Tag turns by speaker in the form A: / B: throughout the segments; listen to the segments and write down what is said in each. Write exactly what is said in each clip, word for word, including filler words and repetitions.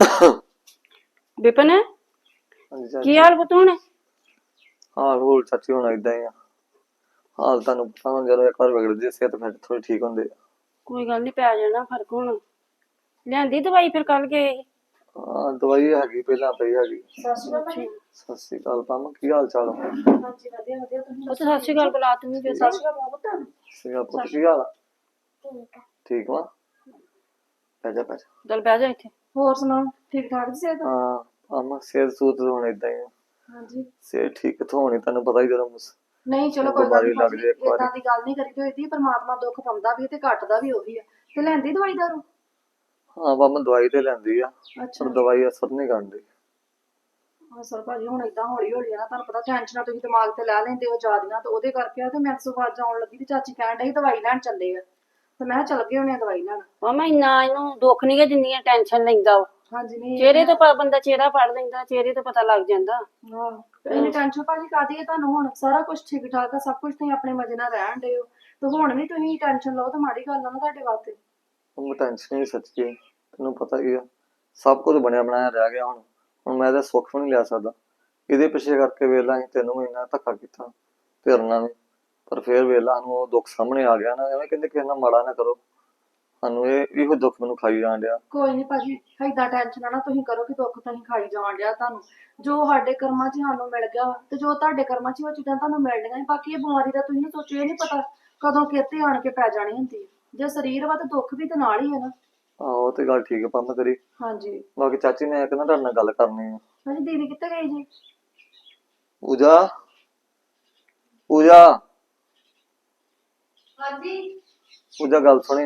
A: विपिन
B: ਹਾਂਜੀ
A: की
B: ਚਾਚੀ
A: हाल पुत हुण
B: ਹਾਲ ਹੋਲ ਚਾਚੀ ਹੁਣ ਏਦਾਂ ਹੀ ਆ। ਹਾਲ ਤੁਹਾਨੂੰ ਪਤਾ ਹੁਣ ਜਦੋਂ ਇੱਕ ਵਾਰ ਵਿਗੜਦੀ ਸਿਹਤ ਫਿਰ ਥੋੜੀ ਠੀਕ ਹੁੰਦੀ ਆ।
A: कोई गल नहीं पै जाना फर्क हुण लियांदी दवाई फिर कल गए ही
B: ਹਾਂ ਦਵਾਈ ਹੈਗੀ ਪਹਿਲਾਂ ਪਈ ਹੈਗੀ।
A: अच्छा
B: ਸਤਿ ਸ਼੍ਰੀ ਅਕਾਲ ਪਾਮਾ ਕੀ ਹਾਲ ਚਾਲ ਆ?
C: ਹਾਂਜੀ ਵਧੀਆ ਵਧੀਆ ਤੁਸੀਂ
A: पुत सत श्री अकाल बुला तुम भी
C: ਸਤਿ ਸ਼੍ਰੀ ਅਕਾਲ ਪੁੱਤ
B: ਸੀਗਾ ਪੁੱਤ ਕੀ ਹਾਲ ਆ? ਠੀਕ ਵਾ ਬਹਿ ਜਾ ਬਹਿ ਜਾ।
A: चल बह जा इत्थे
C: ਹੋਰ ਸੁਣਾਓ ਠੀਕ ਠਾਕ ਜੀ ਸਿਹਤ
B: ਹਾਂ ਪਾਮਾ ਸਿਹਤ ਸੂਤ ਹੁਣ ਏਦਾਂ ਹੀ ਆ।
C: ਹਾਂਜੀ
B: ਸਿਹਤ ਠੀਕ ਕਿੱਥੋਂ ਹੋਣੀ ਤੁਹਾਨੂੰ ਪਤਾ ਹੀ ਜਦੋਂ ਮੁਸ-
C: ਨਹੀਂ ਚਲੋ ਕੋਈ ਗੱਲ
B: ਬਿਮਾਰੀ
C: ਨਹੀਂ
B: ਲੱਗ
C: ਭਾਜੀ
B: ਜਾਏ ਇੱਕ ਵਾਰੀ।
C: ਇਦਾਂ ਦੀ ਗੱਲ ਨਹੀਂ ਕਰੀ ਹੋਈ ਪਰਮਾਤਮਾ ਦੁੱਖ ਪਾਉਂਦਾ ਵੀ ਤੇ ਘਟਦਾ ਵੀ ਉਹੀ ਆ ਤੇ ਲੈਂਦੀ ਦਵਾਈ ਦਾਰੂ
B: ਹਾਂ ਪਾਮਾ ਦਵਾਈ ਤੇ ਲੈਂਦੀ ਆ
C: ਅੱਛਾ
B: ਪਰ ਦਵਾਈ ਅਸਰ ਨਹੀਂ ਕਰਦੀ।
C: ਅਸਲ ਭਾਜੀ ਹੁਣ ਏਦਾਂ ਹੌਲੀ ਹੌਲੀ ਆ ਨਾ ਤੁਹਾਨੂੰ ਪਤਾ ਟੈਨਸ਼ਨਾਂ ਤੁਸੀਂ ਦਿਮਾਗ ਤੇ ਲੈ ਲੈਂਦੇ ਹੋ ਜ਼ਿਆਦੀਆਂ ਤੇ ਉਹਦੇ ਕਰਕੇ ਆ ਤੇ ਮੈਂ ਸੁਬਾਹ ਆਉਣ ਲੱਗੀ ਤੇ ਚਾਚੀ ਕਹਿਣ ਡਈ ਦਵਾਈ ਲੈਣ ਚੱਲੇ ਆ ਤੇ ਮੈਂ ਕਿਹਾ ਚੱਲ ਗਏ ਹੋਣੇ ਆ ਦਵਾਈ ਲੈਣ
A: मामा इन्ना इनू दुख नहीं दिंदियां टेंशन लैंदा वो
C: ਹਾਂਜੀ ਨਹੀਂ
A: चेहरे तो प- बंदा चेहरा पढ़ लेंदा चेहरे तो पता लग जांदा
C: ਹਾਂ ਇਹਨੇ ਟੈਨਸ਼ਨ ਭਾਜੀ ਕਾਦੀ ਹੈ ਤੁਹਾਨੂੰ ਹੁਣ ਸਾਰਾ ਕੁਝ ਠੀਕ ਠਾਕ ਆ ਸਭ ਕੁਝ ਤੁਸੀਂ ਆਪਣੇ ਮਜ਼ੇ ਨਾਲ ਰਹਿਣ ਦੇ ਹੋ ਤੇ ਹੁਣ ਵੀ ਤੁਸੀਂ ਟੈਨਸ਼ਨ ਲਓ ਤਾਂ ਮਾੜੀ ਗੱਲ ਆ ਨਾ ਤੁਹਾਡੇ ਵਾਸਤੇ
B: ਉਹ ਟੈਨਸ਼ਨ ਹੀ ਸੱਚੀ ਤੈਨੂੰ ਪਤਾ ਹੀ ਆ ਸਭ ਕੁਝ ਬਣਿਆ ਬਣਾਇਆ ਰਹਿ ਗਿਆ ਹੁਣ ਹੁਣ ਮੈਂ ਤਾਂ ਸੁੱਖ ਵੀ ਨਹੀਂ ਲਿਆ ਸਕਦਾ। ਇਹਦੇ ਪਿੱਛੇ ਕਰਕੇ ਵੇਲਾ ਅਸੀਂ ਤੈਨੂੰ ਵੀ ਇੰਨਾ ਧੱਕਾ ਕੀਤਾ ਤੇਰਨਾ ਵੀ ਪਰ ਫੇਰ ਵੇਲਾ ਨੂੰ ਉਹ ਦੁੱਖ ਸਾਹਮਣੇ ਆ ਗਿਆ ਨਾ ਐਵੇਂ ਕਹਿੰਦੇ ਕਿਸੇ ਨਾਲ ਮਾੜਾ ਨਾ ਕਰੋ ਸਾਨੂੰ ਇਹ ਇਹੋ ਦੁੱਖ ਮੈਨੂੰ ਖਾਈ ਜਾਣ ਡਿਆ।
C: ਕੋਈ ਨਹੀਂ ਭਾਜੀ ਏਦਾਂ ਟੈਨਸ਼ਨ ਨਾ ਤੁਸੀਂ ਕਰੋ ਕਿ ਦੁੱਖ ਤੁਸੀਂ ਖਾਈ ਜਾਣ ਡਿਆ ਤੁਹਾਨੂੰ ਜੋ ਸਾਡੇ ਕਰਮਾਂ 'ਚ ਸਾਨੂੰ ਮਿਲ ਗਿਆ ਵਾ ਤੇ ਜੋ ਤੁਹਾਡੇ ਕਰਮਾਂ 'ਚ ਉਹ ਚੀਜ਼ਾਂ ਤੁਹਾਨੂੰ ਮਿਲਣੀਆਂ ਈ। ਬਾਕੀ ਇਹ ਬਿਮਾਰੀ ਦਾ ਤੁਸੀਂ ਸੋਚੋ ਇਹ ਨਹੀਂ ਪਤਾ ਕਦੋਂ ਕਿਤੇ ਆਣ ਕੇ ਪੈ ਜਾਣੀ ਹੁੰਦੀ ਹੈ ਜੇ ਸਰੀਰ ਵਾ ਤੇ ਦੁੱਖ ਵੀ ਤੇ ਨਾਲ ਹੀ ਹੈ ਨਾ।
B: ਆਹੋ ਉਹ ਤੇ ਗੱਲ ਠੀਕ ਹੈ ਪੰਮ ਤੇਰੀ।
C: ਹਾਂਜੀ
B: ਬਾਕੀ ਚਾਚੀ ਮੈਂ ਇੱਕ ਨਾ ਤੁਹਾਡੇ ਨਾਲ ਗੱਲ ਕਰਨੀ ਆ।
C: ਹਾਂਜੀ ਦੀਦੀ ਕਿੱਥੇ ਗਈ ਜੀ
B: ਪੂਜਾ ਪੂਜਾ
C: ਹਾਂਜੀ
B: ਪੂਜਾ ਗੱਲ ਸੁਣੀ।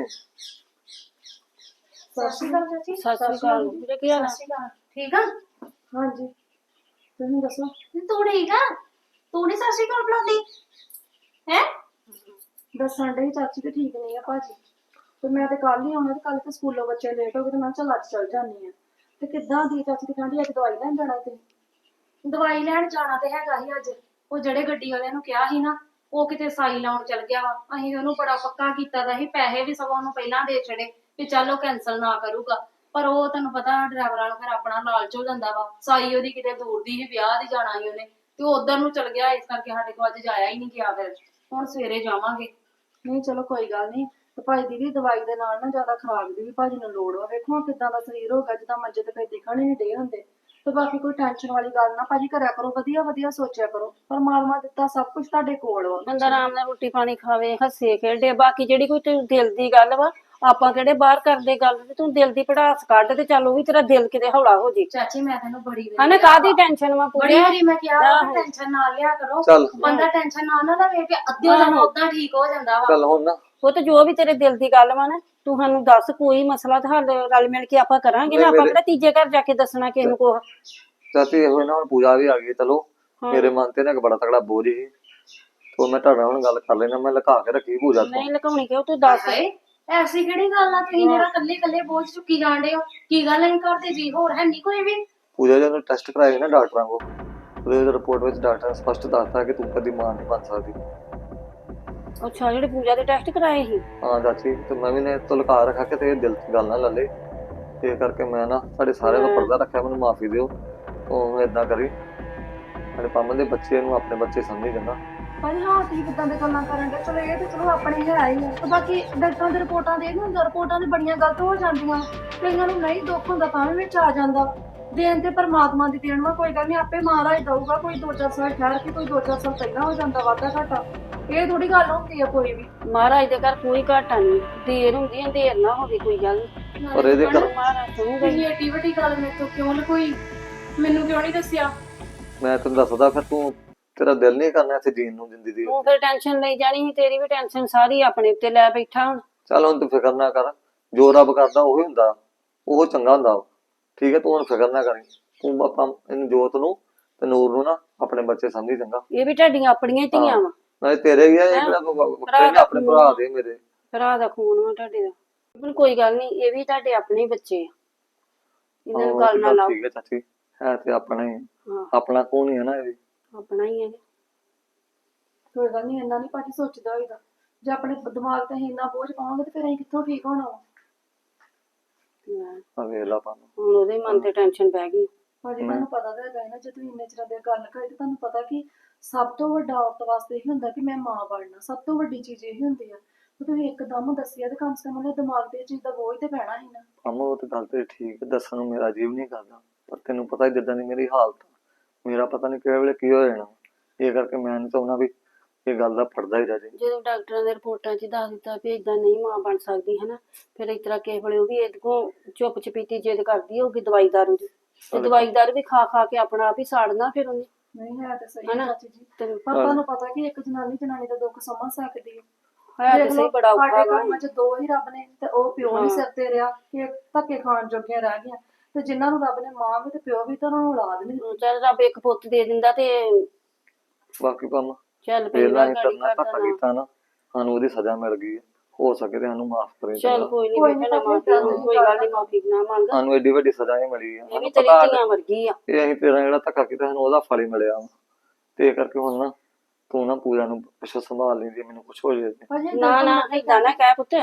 C: ਸਤਿ ਸ਼੍ਰੀ ਅਕਾਲ ਚਾਚੀ
A: सत श्री अकाल तेरे की हाल है?
C: ਸਤਿ ਸ਼੍ਰੀ ਅਕਾਲ ਠੀਕ ਆ ਹਾਂਜੀ ਤੁਸੀਂ ਦੱਸੋ
D: ਤੂੰ ਠੀਕ ਆ ਤੂੰ ਨੀ ਸਤਿ ਸ਼੍ਰੀ ਅਕਾਲ ਬੁਲਾਉਂਦੀ ਹੈ
C: ਦੱਸਣ ਡਈ ਚਾਚੀ ਤੇ ਠੀਕ ਨਹੀਂ ਆ ਭਾਜੀ ਤੇ ਮੈਂ ਤੇ ਕੱਲ ਹੀ ਆਉਣਾ ਤੇ ਕੱਲ ਤੇ ਸਕੂਲੋਂ ਬੱਚੇ ਲੇਟ ਹੋ ਗਏ ਤੇ ਮੈਂ ਕਿਹਾ ਚੱਲ ਅੱਜ ਚੱਲ ਜਾਂਦੀ ਆ ਤੇ ਕਿੱਦਾਂ ਦੀ ਚਾਚੀ ਦੀ ਕਹਿੰਦੀ ਅੱਜ ਦਵਾਈ ਲੈਣ ਜਾਣਾ ਤੇ
D: ਦਵਾਈ ਲੈਣ ਜਾਣਾ ਤੇ ਹੈਗਾ ਸੀ ਅੱਜ ਉਹ ਜਿਹੜੇ ਗੱਡੀ ਵਾਲਿਆਂ ਨੂੰ ਕਿਹਾ ਸੀ ਨਾ ਉਹ ਕਿਤੇ ਸਾਈ ਲਾਉਣ ਚਲ ਗਿਆ ਵਾ ਅਸੀਂ ਉਹਨੂੰ ਬੜਾ ਪੱਕਾ ਕੀਤਾ ਦਾ ਸੀ ਪੈਸੇ ਵੀ ਸਗੋਂ ਉਹਨੂੰ ਪਹਿਲਾਂ ਦੇ ਛੜੇ ਵੀ ਚੱਲ ਉਹ ਕੈਨਸਲ ਨਾ ਕਰੂਗਾ ਪਰ ਉਹ ਤੁਹਾਨੂੰ ਪਤਾ ਡਰਾਈਵਰਾਂ ਨੂੰ ਫਿਰ ਆਪਣਾ ਲਾਲਚ ਹੋ ਜਾਂਦਾ ਵਾ ਸਾਈ ਉਹਦੀ ਕਿਤੇ ਦੂਰ ਦੀ ਸੀ ਵਿਆਹ ਦੀ ਜਾਣਾ ਸੀ ਉਹਨੇ ਤੇ ਉਹ ਉਧਰ ਨੂੰ ਚਲ ਗਿਆ ਇਸ ਕਰਕੇ ਸਾਡੇ ਕੋਲ ਅੱਜ ਜਾਇਆ ਹੀ ਨਹੀਂ ਗਿਆ ਫਿਰ ਹੁਣ ਸਵੇਰੇ ਜਾਵਾਂਗੇ।
C: ਨਹੀਂ ਚਲੋ ਕੋਈ ਗੱਲ ਨਹੀਂ ਤੇ ਭਾਜੀ ਦੀ ਵੀ ਦਵਾਈ ਦੇ ਨਾਲ ਨਾ ਜ਼ਿਆਦਾ ਖਰਾਬ ਦੀ ਵੀ ਭਾਜੀ ਨੂੰ ਲੋੜ ਵਾ ਵੇਖੋ ਕਿੱਦਾਂ ਦਾ ਸਰੀਰ ਹੋ ਗਿਆ ਜਿੱਦਾਂ ਮੰਜੇ ਤੇ ਪਏ ਦਿਖਣ ਹੀ ਨਹੀਂ ਡੇ ਹੁੰਦੇ ਤੇ ਬਾਕੀ ਕੋਈ ਟੈਨਸ਼ਨ ਵਾਲੀ ਗੱਲ ਨਾ ਭਾਜੀ ਕਰਿਆ ਕਰੋ ਵਧੀਆ ਵਧੀਆ ਸੋਚਿਆ ਕਰੋ ਪਰਮਾਤਮਾ ਦਿੱਤਾ ਸਭ ਕੁਝ ਤੁਹਾਡੇ ਕੋਲ ਵਾ
A: ਬੰਦਾ ਆਰਾਮ ਨਾਲ ਰੋਟੀ ਪਾਣੀ ਖਾਵੇ ਹੱਸੇ ਖੇਡੇ ਬਾਕੀ ਜਿਹੜੀ ਕੋਈ ਤੇ ਦਿਲ ਦੀ ਗੱਲ ਵਾ ਆਪਾਂ ਕਿਹੜੇ ਬਾਹਰ ਕਰਦੇ ਗੱਲ ਤੇ ਤੂੰ ਦਿਲ ਦੀ ਪੜਾਸ ਕੱਢ ਤੇ ਚੱਲ ਉਹ ਵੀ ਤੇਰਾ ਦਿਲ ਕਿਤੇ ਹੌਲਾ ਹੋ ਜੇ
D: ਚਾਚੀ ਮੈਂ ਤੈਨੂੰ ਬੜੀ ਵਾਰੀ
A: ਹਨਾ ਕਾਹਦੀ ਟੈਨਸ਼ਨ ਵਾ
D: ਬੜੀ
A: ਪੂਰੀ
D: ਵਾਰੀ ਮੈਂ ਕਿਹਾ ਟੈਨਸ਼ਨ ਨਾ ਲਿਆ ਕਰੋ
B: ਚੱਲ
D: ਬੰਦਾ ਟੈਨਸ਼ਨ ਨਾ ਨਾ ਲਵੇ ਕਿ ਅੱਧੇ ਦਿਨ ਉਦਾਂ ਠੀਕ ਹੋ ਜਾਂਦਾ ਵਾ
B: ਚੱਲ ਹੁਣ ਨਾ
A: ਉਹ ਤੇ ਜੋ ਵੀ ਤੇਰੇ ਦਿਲ ਦੀ ਗੱਲ ਵਾ ਨਾ ਤੂੰ ਸਾਨੂੰ ਦੱਸ ਕੋਈ ਮਸਲਾ ਤੇ ਹੱਲ ਰਲ ਮਿਲ ਕੇ ਆਪਾਂ ਕਰਾਂਗੇ ਨਾ ਆਪਾਂ ਕਿਹੜਾ ਤੀਜੇ ਘਰ ਜਾ ਕੇ ਦੱਸਣਾ ਕਿਸੇ ਨੂੰ ਕੁਛ
B: ਚਾਚੀ ਇਹੋ ਨਾ ਹੁਣ ਪੂਜਾ ਵੀ ਆ ਗਈ ਚਲੋ ਮੇਰੇ ਮਨ ਤੇ ਨਾ ਇੱਕ ਬੜਾ ਤਗੜਾ ਬੋਝ ਸੀ ਤੋਂ ਮੈਂ ਤੁਹਾਡਾ ਹੁਣ ਗੱਲ ਕਰ ਲੈਣਾ ਮੈਂ ਲੁਕਾ ਕੇ ਰੱਖੀ ਪੂਜਾ ਤੋਂ।
A: ਨਹੀਂ ਲਕਾਉਣੀ ਕਿਉਂ ਤੂੰ ਦੱਸ
D: ਹਾਏ ਐਸੀ ਕਿਹੜੀ ਗੱਲ ਆ ਤੁਸੀਂ ਜਿਹੜਾ ਕੱਲੇ ਕੱਲੇ ਬੋਝ ਚੁੱਕੀ ਜਾਂਦੇ ਹੋ ਕੀ ਗੱਲ ਅਸੀਂ ਕਰਦੇ ਜੀ ਹੋਰ ਹੈ ਨਹੀਂ ਕੋਈ ਵੀ
B: ਪੂਜਾ ਜਦੋਂ ਟੈਸਟ ਕਰਾਏ ਨਾ ਡਾਕਟਰਾਂ ਕੋਲ ਉਹਦੇ ਰਿਪੋਰਟ ਵਿੱਚ ਡਾਕਟਰ ਨੇ ਸਪਸ਼ਟ ਦੱਸਤਾ ਕਿ ਤੂੰ ਕਦੀ ਮਾਂ ਨਹੀਂ ਬਣ ਸਕਦੀ।
A: ਅੱਛਾ ਜਿਹੜੇ ਪੂਜਾ ਦੇ ਟੈਸਟ ਕਰਾਏ ਸੀ
B: ਹਾਂ ਚਾਚੀ ਤੇ ਮੈਂ ਵੀ ਨੇ ਤੋਂ ਲੁਕਾ ਰੱਖਿਆ ਕਿ ਤੇ ਦਿਲ ਚ ਗੱਲ ਨਾ ਲੱਲੇ ਇਹ ਕਰਕੇ ਮੈਂ ਨਾ ਸਾਡੇ ਸਾਰੇ ਦਾ ਪਰਦਾ ਰੱਖਿਆ ਮੈਨੂੰ ਮਾਫੀ ਦਿਓ ਉਹ ਏਦਾਂ ਕਰੀ ਸਾਡੇ ਪੰਮ ਦੇ ਬੱਚੇ ਨੂੰ ਆਪਣੇ ਬੱਚੇ ਸਮਝੀ ਜਾਂਦਾ।
C: ਭਾਜੀ ਹਾਂ ਤੁਸੀਂ ਕਿੱਦਾਂ ਦੇ ਗੱਲਾਂ ਕਰਨ ਦੇ ਚਲੋ ਇਹ ਤੇ ਚਲੋ ਆਪਣੇ ਹੈ ਹੀ ਆ ਤੇ ਬਾਕੀ ਡਾਕਟਰਾਂ ਦੀ ਰਿਪੋਰਟਾਂ ਦੇ ਹੁੰਦੀਆਂ ਰਿਪੋਰਟਾਂ ਦੀ ਬੜੀਆਂ ਗਲਤ ਹੋ ਜਾਂਦੀਆਂ ਕਈਆਂ ਨੂੰ ਨਹੀਂ ਦੁੱਖ ਹੁੰਦਾ ਤਾਂ ਵੀ ਵਿੱਚ ਆ ਜਾਂਦਾ ਦੇਣ ਤੇ ਪਰਮਾਤਮਾ ਦੀ ਦੇਣ ਵਾ ਕੋਈ ਗੱਲ ਨਹੀਂ ਆਪੇ ਮਹਾਰਾਜ ਦਊਗਾ ਕੋਈ ਦੋ ਚਾਰ ਸਾਲ ਠਹਿਰ ਕੇ ਕੋਈ ਦੋ ਚਾਰ ਸਾਲ ਪਹਿਲਾਂ ਹੋ ਜਾਂਦਾ ਵਾਧਾ ਘਾਟਾ ਇਹ ਥੋੜੀ ਗੱਲ ਹੁੰਦੀ ਆ ਕੋਈ ਵੀ
A: ਮਹਾਰਾਜ ਦੇ ਘਰ ਕੋਈ ਘਾਟਾ ਨਹੀਂ ਦੇਰ ਹੁੰਦੀ ਹੈ ਦੇਰ ਨਾ ਹੋਵੇ ਕੋਈ ਗੱਲ ਨੀ।
B: ਪਰ ਇਹਦੇ ਕਰ
A: ਮਹਾਰਾਜ ਸੁਣੂਗਾ ਹੀ।
D: ਤੁਸੀਂ ਏਡੀ ਵੱਡੀ ਗੱਲ ਮੇਰੇ ਤੋਂ ਕਿਉਂ ਲਕੋਈ ਮੈਨੂੰ ਕਿਉਂ ਨਹੀਂ ਦੱਸਿਆ
B: ਮੈਂ ਤੈਨੂੰ ਦੱਸਦਾ ਫਿਰ ਤੂੰ ਤੇਰਾ ਦਿਲ ਨਹੀਂ ਕਰਨਾ ਇੱਥੇ ਜੀਣ ਨੂੰ ਜ਼ਿੰਦਗੀ ਦੀ।
A: ਤੂੰ ਫਿਰ ਟੈਨਸ਼ਨ ਲਈ ਜਾਣੀ ਸੀ ਤੇਰੀ ਵੀ ਟੈਨਸ਼ਨ ਸਾਰੀ ਆਪਣੇ ਉੱਤੇ ਲੈ ਬੈਠਾ ਹੁਣ
B: ਚੱਲ ਹੁਣ ਤੂੰ ਫਿਕਰ ਨਾ ਕਰ ਜੋ ਰੱਬ ਕਰਦਾ ਉਹੀ ਹੁੰਦਾ ਉਹ ਚੰਗਾ ਹੁੰਦਾ ਵਾ। ਠੀਕ ਹੈ ਤੂੰ ਹੁਣ ਫਿਕਰ ਨਾ ਕਰੀ ਤੂੰ ਆਪਾਂ ਇਹਨੂੰ ਜੋਤ ਨੂੰ ਤੇ ਨੂਰ ਨੂੰ ਨਾ ਆਪਣੇ ਬੱਚੇ ਸਮਝੀ ਚੰਗਾ।
A: ਇਹ ਵੀ ਤੁਹਾਡੀਆਂ ਆਪਣੀਆਂ ਹੀ ਧੀਆਂ ਵਾ
B: ਨਾਲੇ ਤੇਰੇ ਵੀ ਆ ਇਹ ਕਿਹੜਾ ਵੱਖਰੇ ਨੇ ਆਪਣੇ ਭਰਾ ਦੇ ਮੇਰੇ
A: ਭਰਾ ਦਾ ਖੂਨ ਵਾ ਤੁਹਾਡੇ ਦਾ ਪਰ ਕੋਈ ਗੱਲ ਨਹੀਂ ਇਹ ਵੀ ਤੁਹਾਡੇ ਆਪਣੇ ਹੀ ਬੱਚੇ ਆ ਇਹਨਾਂ ਨੂੰ ਗੱਲ ਨਾ ਲਾਓ।
B: ਠੀਕ ਹੈ ਚਾਚੀ ਹੈ ਤੇ ਆਪਣਾ ਹੀ
A: ਹਾਂ
B: ਆਪਣਾ ਕੌਣ ਹੀ ਹੈ ਨਾ ਇਹ ਵੀ
A: ਆਪਣਾ ਹੀ ਹੈ
C: ਕੋਈ ਗੱਲ ਨਹੀਂ ਇੰਨਾ ਨਹੀਂ ਭਾਜੀ ਸੋਚਦਾ ਹੋਈਦਾ ਜੇ ਆਪਣੇ ਦਿਮਾਗ ਤੇ ਅਸੀਂ ਇੰਨਾ ਬੋਝ ਪਾਵਾਂਗੇ ਤੇ ਫਿਰ ਅਸੀਂ ਕਿੱਥੋਂ ਠੀਕ ਹੋਣਾ ਵਾ
A: ਲੈ,
B: ਆ ਵੇਖ ਲਾ ਪੰਮ।
A: ਹੁਣ ਉਹਦੇ ਮਨ ਤੇ ਟੈਨਸ਼ਨ ਪੈ ਗਈ।
C: ਭਾਜੀ ਤੁਹਾਨੂੰ ਪਤਾ ਤਾਂ ਹੈਗਾ ਹੈ ਨਾ, ਜੇ ਤੁਸੀਂ ਇੰਨੇ ਚਿਰਾਂ ਦੀ ਗੱਲ ਕਰੀ ਤੇ ਤੁਹਾਨੂੰ ਪਤਾ ਕਿ ਸਭ ਤੋਂ ਵੱਡਾ ਔਰਤ ਵਾਸਤੇ ਇਹ ਹੁੰਦਾ ਕਿ ਮੈਂ ਮਾਂ ਬਣਨਾ, ਸਭ ਤੋਂ ਵੱਡੀ ਚੀਜ਼ ਇਹ ਹੁੰਦੀ ਆ। ਤੇ ਤੁਸੀਂ ਇੱਕਦਮ ਦੱਸਿਆ ਤੇ ਕਮ ਸੇ ਕਮ ਉਹਦੇ ਦਿਮਾਗ ਤੇ ਇਹ ਚੀਜ਼ ਦਾ ਬੋਝ ਤੇ ਪੈਣਾ ਸੀ ਨਾ।
B: ਪੰਮ ਉਹ ਤੇ ਗੱਲ ਤੇ ਠੀਕ ਹੈ, ਦੱਸਣ ਨੂੰ ਮੇਰਾ ਜੀਵ ਨਹੀਂ ਕਰਦਾ, ਪਰ ਤੈਨੂੰ ਪਤਾ ਹੀ ਜਿੱਦਾਂ ਦੀ ਮੇਰੀ ਹਾਲਤ ਆ, ਮੇਰਾ ਪਤਾ ਨਹੀਂ ਕਿਹੜੇ ਵੇਲੇ ਕੀ ਹੋ ਜਾਣਾ। ਇਹ ਕਰਕੇ ਮੈਂ ਨਹੀਂ ਚਾਹੁੰਦਾ ਵੀ ਇਹ ਗੱਲ ਦਾ ਪੜਦਾ ਹੀ ਰਹਿ ਜਾਏ।
A: ਜਦੋਂ ਡਾਕਟਰਾਂ ਦੇ ਰਿਪੋਰਟਾਂ 'ਚ ਦੱਸ ਦਿੱਤਾ ਵੀ ਏਦਾਂ ਨਹੀਂ ਮਾਂ ਬਣ ਸਕਦੀ ਹਨਾ, ਫਿਰ ਇਸ ਤਰ੍ਹਾਂ ਕਿਸੇ ਵੇਲੇ ਉਹ ਵੀ ਇਹਦੇ ਕੋਲ ਚੁੱਪ ਚਪੀਤੀ ਜਿੱਦ ਕਰਦੀ ਹੋਊਗੀ ਦਵਾਈ ਦਾਰੂ ਦੀ, ਤੇ ਦਵਾਈ ਦਾਰੂ ਵੀ ਖਾ ਖਾ ਕੇ ਆਪਣਾ ਆਪ ਹੀ ਸਾੜਨਾ ਫਿਰ ਉਹਨੇ।
C: ਨਹੀਂ ਹੈ ਤਾਂ ਸਹੀ
A: ਹਨਾ?
C: ਚਾਚੀ ਜੀ,
A: ਤੇ
C: ਪਰ ਤੁਹਾਨੂੰ ਪਤਾ ਕਿ ਇੱਕ ਜਨਾਨੀ ਜਨਾਨੀ ਦਾ ਦੁੱਖ ਸਮਝ ਸਕਦੀ ਹੈ।
A: ਹੈ ਤੇ ਸਹੀ ਬੜਾ ਔਖਾ
C: ਸਾਡੇ
A: ਵਾ।
C: ਘਰਾਂ 'ਚ ਦੋ ਹੀ ਰੱਬ ਨੇ, ਤੇ ਉਹ ਪਿਓ ਨਹੀਂ ਸਿਰ ਤੇ ਰਿਹਾ ਕਿ ਧੱਕੇ ਖਾਣ ਜੋਗੀਆਂ ਰਹਿ ਗਈਆਂ, ਤੇ ਜਿਨ੍ਹਾਂ ਨੂੰ ਰੱਬ ਨੇ ਮਾਂ ਵੀ ਤੇ ਪਿਓ ਵੀ ਤਾਂ ਉਹਨਾਂ ਨੂੰ ਔਲਾਦ ਨਹੀਂ ਦਿੱਤੀ।
A: ਚੱਲ ਰੱਬ ਇੱਕ ਪੁੱਤ ਦੇ ਦਿੰਦਾ ਤੇ
B: ਬਾਕੀ ਪੰਮ
A: ਚੱਲ
B: ਵੇਲਾ
A: ਪੈਂਦਾ
B: ਹੀ
A: ਗਾੜੀ
B: ਕਰਨਾ ਧੱਕਾ
A: ਕਰਦਾ ਨਾ।
B: ਕੀਤਾ ਨਾ, ਸਾਨੂੰ ਉਹਦੀ ਸਜ਼ਾ ਮਿਲ ਗਈ ਹੈ, ਹੋ ਸਕੇ ਤੇ ਸਾਨੂੰ ਮਾਫ ਕਰੇ।
A: ਚੱਲ ਕੋਈ
C: ਕੋਈ
A: ਨਹੀਂ
C: ਨੀ
A: ਬੇਟਾ,
C: ਭਾਬੀ,
A: ਮਾਫੀ
C: ਏਦਾਂ
A: ਕੋਈ ਗੱਲ ਨਹੀਂ, ਮਾਫੀ ਨਾ ਮੰਗ।
B: ਸਾਨੂੰ ਐਡੀ ਵੱਡੀ ਸਜ਼ਾ ਹੀ ਮਿਲੀ ਆ,
A: ਇਹ ਵੀ
B: ਸਾਨੂੰ
A: ਤੇਰੀ
B: ਪਤਾ
A: ਧੀਆਂ ਵਰਗੀ ਆ।
B: ਇਹ ਅਸੀਂ ਤੇਰਾ ਜਿਹੜਾ ਧੱਕਾ ਕੀਤਾ ਸਾਨੂੰ ਉਹਦਾ ਫਲ ਹੀ ਮਿਲਿਆ ਵਾ। ਤੇ ਇਹ ਕਰਕੇ ਹੁਣ ਨਾ ਤੂੰ ਨਾ ਪੂਜਾ ਨੂੰ ਪਿੱਛੋਂ ਸੰਭਾਲ ਲੈਂਦੀ, ਮੈਨੂੰ ਕੁਛ ਹੋ ਜਾਏ ਤੇ।
C: ਭਾਜੀ
A: ਨਾ ਨਾ ਏਦਾਂ ਨਾ ਕਹਿ ਪੁੱਤ,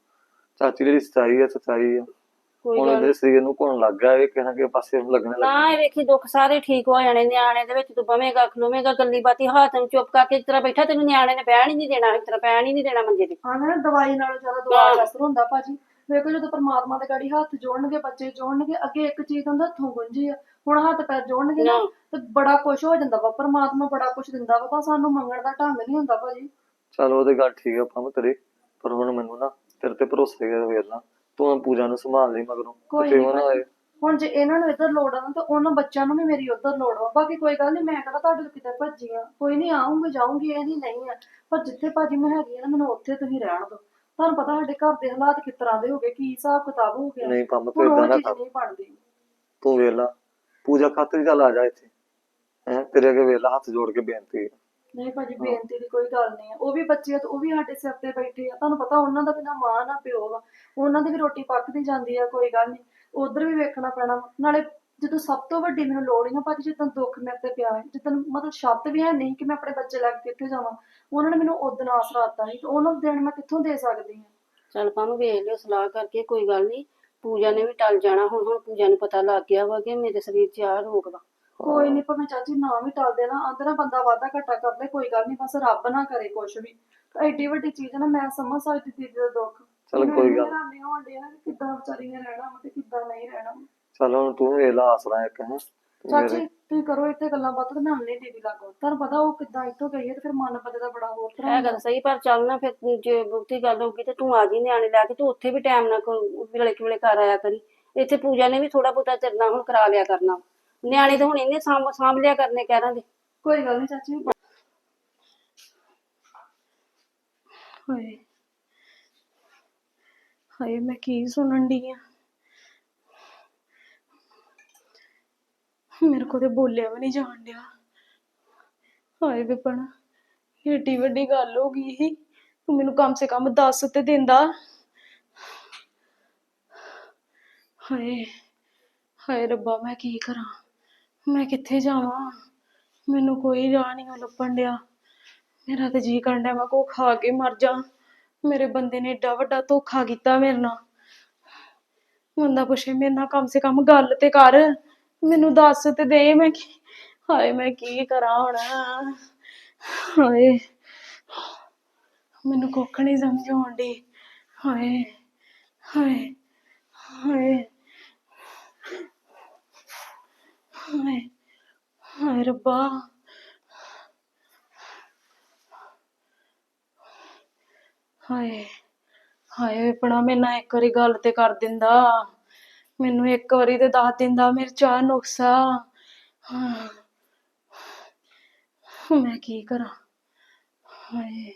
B: ਚਾਚੀ ਜਿਹੜੀ ਸੱਚਾਈ ਆ ਸੱਚਾਈ ਆ,
A: ਕੋਈ
B: ਹੁਣ
A: ਗੱਲ
B: ਉਹਦੇ ਸਰੀਰ ਨੂੰ ਘੁਣ ਲੱਗ ਗਿਆ, ਇਹ ਕਿਸੇ ਕੇ ਪਾਸੇ ਲੱਗਣੇ
A: ਨਾ।
B: ਲੱਗ
A: ਇਹ ਵੇਖੀ ਦੁੱਖ ਸਾਰੇ ਠੀਕ ਹੋ ਜਾਣੇ, ਨਿਆਣੇ ਦੇ ਵਿੱਚ ਤੂੰ ਬਵੇਂਗਾ ਖਲੋਵੇਂਗਾ ਗੱਲੀ ਬਾਤੀ ਹੱਥ ਨੂੰ ਚੁੱਪ ਕਰਕੇ ਇਸ ਤਰ੍ਹਾਂ ਬੈਠਾ, ਤੈਨੂੰ ਨਿਆਣੇ ਨੇ ਬਹਿਣ ਹੀ ਨਹੀਂ ਦੇਣਾ, ਇਸ ਤਰ੍ਹਾਂ ਪੈਣ ਹੀ ਨਹੀਂ ਦੇਣਾ ਮੰਜੇ ਤੇ।
C: ਹਾਂ ਨਾ, ਦਵਾਈ ਨਾਲੋਂ ਜ਼ਿਆਦਾ ਦੁਆ ਦਾ ਅਸਰ ਹੁੰਦਾ ਭਾਜੀ। ਵੇਖੋ ਜਦੋਂ ਪਰਮਾਤਮਾ ਦੇ ਗਾੜੀ ਹੱਥ ਜੋੜਨਗੇ, ਬੱਚੇ ਜੋੜਨਗੇ, ਅੱਗੇ ਇੱਕ ਚੀਜ਼ ਹੁੰਦਾ ਹੱਥੋਂ ਗੁੰਝੀ ਆ, ਹੁਣ ਹੱਥ ਪੈਰ ਜੋੜਨਗੇ ਨਾ ਤੇ ਬੜਾ ਕੁਛ ਹੋ ਜਾਂਦਾ ਵਾ। ਪਰਮਾਤਮਾ ਬੜਾ ਕੁਛ ਦਿੰਦਾ ਵਾ, ਪਰ ਸਾਨੂੰ ਮੰਗਣ ਦਾ ਢੰਗ ਨਹੀਂ ਹੁੰਦਾ ਭਾਜੀ।
B: ਚੱਲ ਉਹਦੇ ਗੱਲ ਠੀਕ ਆ ਪੰਮ ਤੇਰੀ, ਪਰ ਹੁਣ ਮੈਨੂੰ ਨਾ ਤੇਰੇ ਤੇ ਭਰੋਸਾ ਹੀ ਵੇਖ ਲਾ, ਤੂੰ ਪੂਜਾ ਨੂੰ ਸੰਭਾਲ ਲਈ ਮਗਰੋਂ
C: ਕੋਈ
B: ਤੇ
C: ਨੀ
B: ਉਹ ਨਾ ਹੋਏ।
C: ਹੁਣ ਜੇ ਇਹਨਾਂ ਨੂੰ ਇੱਧਰ ਲੋੜ ਆ ਨਾ, ਤਾਂ ਉਹਨਾਂ ਬੱਚਿਆਂ ਨੂੰ ਵੀ ਮੇਰੀ ਉੱਧਰ ਲੋੜ ਵਾ। ਬਾਕੀ ਕੋਈ ਗੱਲ ਨਹੀਂ, ਮੈਂ ਕਿਹੜਾ ਤੁਹਾਡੇ ਤੋਂ ਕਿਤੇ ਭੱਜੀ ਆ, ਕੋਈ ਨਹੀਂ ਆਉਂਗੀ ਜਾਊਂਗੀ, ਇਹ ਨਹੀਂ ਨਹੀਂ ਆ। ਪਰ ਜਿੱਥੇ ਭਾਜੀ ਮੈਂ ਹੈਗੀ ਆ ਨਾ, ਮੈਨੂੰ ਉੱਥੇ ਤੁਸੀਂ ਰਹਿਣ ਦਿਓ। ਤੁਹਾਨੂੰ ਪਤਾ ਸਾਡੇ ਘਰ ਦੇ ਹਾਲਾਤ ਕਿਸ ਤਰ੍ਹਾਂ ਦੇ ਹੋ ਗਏ, ਕੀ ਹਿਸਾਬ ਕਿਤਾਬ ਹੋ ਗਿਆ।
B: ਨਹੀਂ ਪੰਮ ਤੂੰ
C: ਹੁਣ
B: ਏਦਾਂ
C: ਉਹ
B: ਨਾ
C: ਚੀਜ਼
B: ਕਰ,
C: ਨਹੀਂ ਬਣਦੀ।
B: ਤੂੰ ਵੇਖ ਲਾ ਪੂਜਾ ਖਾਤਰ ਚੱਲ ਆ ਜਾ ਇੱਥੇ, ਹੈਂ ਤੇਰੇ ਅੱਗੇ ਵੇਖ ਲਾ ਹੱਥ ਜੋੜ ਕੇ ਬੇਨਤੀ ਹੈ।
C: ਨਹੀਂ ਭਾਜੀ, ਬੇਨਤੀ ਦੀ ਕੋਈ ਗੱਲ ਨਹੀਂ ਆ। ਉਹ ਵੀ ਬੱਚੇ ਆ ਤੇ ਉਹ ਵੀ ਸਾਡੇ ਸਿਰ ਤੇ ਬੈਠੇ ਆ। ਤੁਹਾਨੂੰ ਪਤਾ ਉਹਨਾਂ ਦਾ ਵੀ ਨਾ ਮਾਂ ਨਾ ਪਿਓ ਵਾ, ਉਹਨਾਂ ਦੀ ਵੀ ਰੋਟੀ ਪੱਕਦੀ ਜਾਂਦੀ ਆ। ਕੋਈ ਗੱਲ ਨਹੀਂ, ਉਧਰ ਵੀ ਵੇਖਣਾ ਪੈਣਾ ਵਾ। ਨਾਲੇ ਜਦੋਂ ਸਭ ਤੋਂ ਵੱਡੀ ਮੈਨੂੰ ਲੋੜ ਹੀ ਨਾ ਭਾਜੀ, ਜਿੱਦਾਂ ਦੁੱਖ ਮੇਰੇ ਤੇ ਪਿਆ ਹੈ, ਜਿੱਦਾਂ ਮਤਲਬ ਸ਼ਬਦ ਵੀ ਹੈ ਨਹੀਂ ਕਿ ਮੈਂ ਆਪਣੇ ਬੱਚੇ ਲੈ ਕੇ ਕਿੱਥੇ ਜਾਵਾਂ, ਉਹਨਾਂ ਨੇ ਮੈਨੂੰ ਉਦਣ ਆਸਰਾ ਦਿੱਤਾ ਸੀ, ਤੇ ਉਹਨਾਂ ਨੂੰ ਦੇਣ ਮੈਂ ਕਿੱਥੋਂ ਦੇ ਸਕਦੀ ਹਾਂ।
A: ਚੱਲ ਪਾਨੂੰ ਵੇਖ ਲਿਓ ਸਲਾਹ ਕਰਕੇ, ਕੋਈ ਗੱਲ ਨਹੀਂ। ਪੂਜਾ ਨੇ ਵੀ ਟਲ ਜਾਣਾ ਹੁਣ। ਹੁਣ ਪੂਜਾ ਨੂੰ ਪਤਾ ਲੱਗ ਗਿਆ ਵਾ ਕਿ ਮੇਰੇ ਸਰੀਰ 'ਚ ਆਹ ਰੋਗ ਵਾ।
C: ਕੋਈ ਨਹੀਂ, ਭਾਵੇਂ ਚਾਚੀ ਨਾ ਵੀ ਟਲ ਦੇਣਾ, ਆਂਦੇ ਨਾ ਬੰਦਾ ਵਾਧਾ ਘਾਟਾ ਕਰ ਲੈ, ਕੋਈ ਗੱਲ ਨਹੀਂ, ਬਸ ਰੱਬ ਨਾ ਕਰੇ ਕੁਛ ਵੀ। ਤਾਂ ਐਡੀ ਵੱਡੀ ਚੀਜ਼ ਨਾ, ਮੈਂ ਸਮਝ ਸਕਦੀ ਦੀਦੀ ਦਾ ਦੁੱਖ।
B: ਚੱਲ ਕੋਈ ਗੱਲ
C: ਹੈਰਾਨੀ ਹੋਣ ਡਈ ਆ ਨਾ ਕਿ ਕਿੱਦਾਂ ਵਿਚਾਰੀ ਨੇ ਰਹਿਣਾ ਵਾ ਤੇ ਕਿੱਦਾਂ ਨਹੀਂ ਰਹਿਣਾ।
B: ਚੱਲ ਹੁਣ ਤੂੰ ਵੇਖ ਲਾ ਆਸਰਾ ਇੱਕ ਹੈ।
C: ਚਾਚੀ ਤੁਸੀਂ ਕਰੋ ਇੱਥੇ ਗੱਲਾਂ ਬਾਤਾਂ, ਤੇ ਮੈਂ ਆਉਂਦੀ ਦੀਦੀ ਲਾਗੋ। ਤੁਹਾਨੂੰ ਪਤਾ ਉਹ ਕਿੱਦਾਂ ਇੱਥੋਂ ਗਈ ਹੈ, ਤੇ ਫਿਰ ਮਨ ਬੰਦੇ ਦਾ ਬੜਾ ਹੋਰ ਤਰ੍ਹਾਂ
A: ਇਹ ਗੱਲ ਸਹੀ, ਪਰ ਚੱਲ ਨਾ ਫਿਰ ਜੇ ਬਹੁਤੀ ਗੱਲ ਹੋਊਗੀ ਤੇ ਤੂੰ ਆ ਜੀ ਨਿਆਣੇ ਲੈ ਕੇ, ਤੂੰ ਉੱਥੇ ਵੀ ਟਾਈਮ ਨਾਲ ਵੇਲੇ ਕਿ ਵੇਲੇ ਘਰ ਆਇਆ ਕਰੀ। ਇੱਥੇ ਪੂਜਾ ਨੇ ਵੀ ਥੋੜਾ ਬਹੁਤਾ ਚਿਰਨਾ ਹੁਣ ਕਰਾ ਲਿਆ ਕਰਨਾ, ਨਿਆਣੇ ਤਾਂ ਹੁਣ ਇਹਨੇ ਸਾਂਭ ਸਾਂਭ ਲਿਆ ਕਰਨੇ ਕਹਿਰਾਂ ਦੇ।
C: ਕੋਈ ਗੱਲ ਨਹੀਂ ਚਾਚੀ। ਹਾਏ ਹਾਏ, ਮੈਂ ਕੀ ਸੁਣਨ ਡਈ ਆ। ਮੇਰੇ ਕੋਲ ਤੇ ਬੋਲਿਆ ਵੀ ਨਹੀਂ ਜਾਣ ਡਿਆ। ਹਾਏ ਵਿਪਨ, ਏਡੀ ਵੱਡੀ ਗੱਲ ਹੋ ਗਈ ਸੀ, ਤੂੰ ਮੈਨੂੰ ਕਮ ਸੇ ਕਮ ਦੱਸ ਤੇ ਦਿੰਦਾ। ਹਾਏ ਹਾਏ ਰੱਬਾ, ਮੈਂ ਕੀ ਕਰਾਂ, ਮੈਂ ਕਿੱਥੇ ਜਾਵਾਂ, ਮੈਨੂੰ ਕੋਈ ਰਾਹ ਨਹੀਂ ਲੱਭਣ ਡਿਆ। ਮੇਰਾ ਤੇ ਜੀ ਕਰਨ ਡਿਆ ਮੈਂ ਕੋ ਖਾ ਕੇ ਮਰ ਜਾ। ਮੇਰੇ ਬੰਦੇ ਨੇ ਏਡਾ ਵੱਡਾ ਧੋਖਾ ਕੀਤਾ ਮੇਰੇ ਨਾਲ। ਬੰਦਾ ਪੁੱਛੇ ਮੇਰੇ ਨਾਲ ਕਮ ਸੇ ਕਮ ਗੱਲ ਤੇ ਕਰ, ਮੈਨੂੰ ਦੱਸ ਤੇ ਦੇ ਮੈਂ ਕੀ। ਹਾਏ ਮੈਂ ਕੀ ਕਰਾਂ ਹੁਣ। ਹਾਏ ਮੈਨੂੰ ਕੁੱਖ ਨੀ ਸਮਝ ਆਉਣ ਡਈ। ਹਾਏ ਹਾਏ ਹਾਏ ਹਾਏ ਹਾਏ ਰੱਬਾ। ਹਾਏ ਹਾਏ ਆਪਣਾ ਮੇਰੇ ਨਾਲ ਇੱਕ ਵਾਰੀ ਗੱਲ ਤੇ ਕਰ ਦਿੰਦਾ, ਮੈਨੂੰ ਇੱਕ ਵਾਰੀ ਤੇ ਦੱਸ ਦਿੰਦਾ ਮੇਰੇ ਚ ਆਹ ਨੁਕਸ ਆ। ਹਾਂ ਮੈਂ ਕੀ ਕਰਾਂ। ਹਾਏ